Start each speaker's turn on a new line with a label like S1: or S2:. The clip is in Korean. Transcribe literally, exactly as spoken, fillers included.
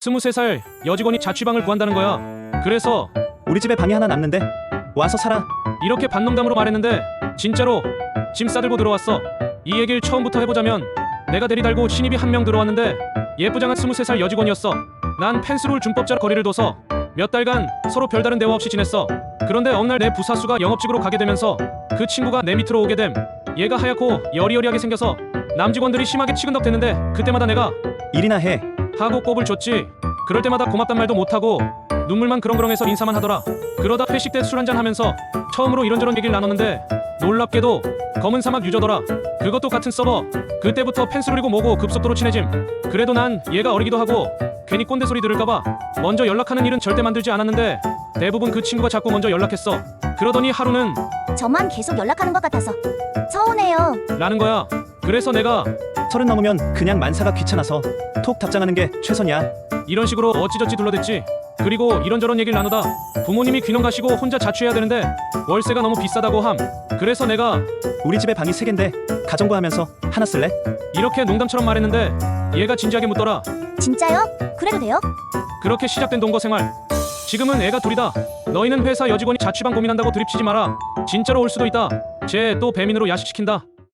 S1: 스물세 살 여직원이 자취방을 구한다는 거야. 그래서
S2: 우리 집에 방이 하나 남는데 와서 살아.
S1: 이렇게 반농담으로 말했는데 진짜로 짐 싸들고 들어왔어. 이 얘기를 처음부터 해보자면 내가 대리 달고 신입이 한 명 들어왔는데 예쁘장한 스물세 살 여직원이었어. 난 펜스룰 준법자로 거리를 둬서 몇 달간 서로 별다른 대화 없이 지냈어. 그런데 어느 날 내 부사수가 영업직으로 가게 되면서 그 친구가 내 밑으로 오게 됨. 얘가 하얗고 여리여리하게 생겨서 남직원들이 심하게 치근덕댔는데 그때마다 내가
S2: 일이나 해.
S1: 하고 꼽을 줬지. 그럴 때마다 고맙단 말도 못하고 눈물만 그렁그렁해서 인사만 하더라. 그러다 회식 때 술 한잔 하면서 처음으로 이런저런 얘기를 나눴는데 놀랍게도 검은 사막 유저더라. 그것도 같은 서버. 그때부터 펜스룰이고 뭐고 급속도로 친해짐. 그래도 난 얘가 어리기도 하고 괜히 꼰대 소리 들을까봐 먼저 연락하는 일은 절대 만들지 않았는데 대부분 그 친구가 자꾸 먼저 연락했어. 그러더니 하루는
S3: 저만 계속 연락하는 것 같아서 서운해요.
S1: 라는 거야. 그래서 내가
S2: 서른 넘으면 그냥 만사가 귀찮아서 톡 답장하는 게 최선이야.
S1: 이런 식으로 어찌저찌 둘러댔지. 그리고 이런저런 얘기를 나누다 부모님이 귀농 가시고 혼자 자취해야 되는데 월세가 너무 비싸다고 함. 그래서 내가
S2: 우리 집에 방이 세 갠데 가정부 하면서 하나 쓸래?
S1: 이렇게 농담처럼 말했는데 얘가 진지하게 묻더라.
S3: 진짜요? 그래도 돼요?
S1: 그렇게 시작된 동거 생활. 지금은 애가 둘이다. 너희는 회사 여직원이 자취방 고민한다고 드립치지 마라. 진짜로 올 수도 있다. 쟤 또 배민으로 야식시킨다.